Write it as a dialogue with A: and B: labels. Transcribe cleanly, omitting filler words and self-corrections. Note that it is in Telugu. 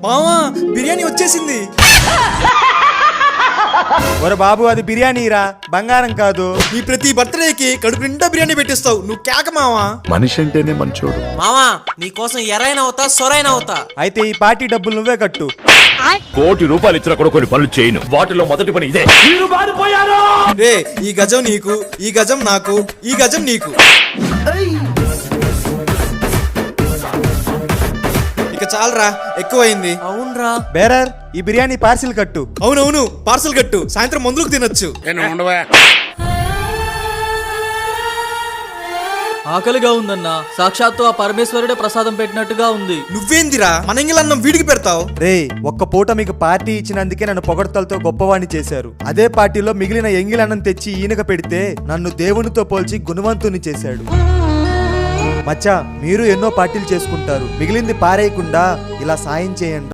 A: మావా బిర్యానీ వచ్చేసింది.
B: ఒరే బాబు, అది బిర్యానీరా, బంగారం కాదు.
A: నీ ప్రతి బర్త్డేకి కడుపు నిండా బిర్యానీ పెట్టిస్తావు, నువ్వు కేక మావా.
C: మనిషి అంటేనే మంచోడు.
D: మావా నీకోసం ఎరైనా అవుతా సొరైనా అవుతా.
B: అయితే ఈ పార్టీ డబ్బులు నువ్వే కట్టు.
C: ₹1,00,000 ఇచ్చినా కూడా కొన్ని పనులు చేయను. వాటిలో మొదటి పని ఇదే.
A: రే ఈ గజం నీకు, ఈ గజం నాకు, ఈ గజం నీకు. ఇక చాలరా, ఎక్కువైంది.
D: అవునరా.
B: బేరర్, ఈ బిర్యానీ పార్సిల్ కట్టు.
A: అవునవును, పార్సల్ కట్టు, సాయంత్రం మందులకు తినొచ్చు.
E: ఆకలిగా ఉందన్నా, సాక్షాత్తు ఆ పరమేశ్వరుడే ప్రసాదం పెట్టినట్టుగా ఉంది.
A: నువ్వేందిరా మన ఇంగిలన్నం వీడికి పెడతావు?
B: రే, ఒక్క పూట మీకు పార్టీ ఇచ్చినందుకే నన్ను పొగడ్తలతో గొప్పవాణ్ణి చేశారు. అదే పార్టీలో మిగిలిన ఎంగిలన్నం తెచ్చి ఈయనక పెడితే నన్ను దేవునితో పోల్చి గుణవంతుని చేశాడు. మచ్చా, మీరు ఎన్నో పార్టీలు చేసుకుంటారు, మిగిలింది పారేయకుండా ఇలా సాయం చేయండి.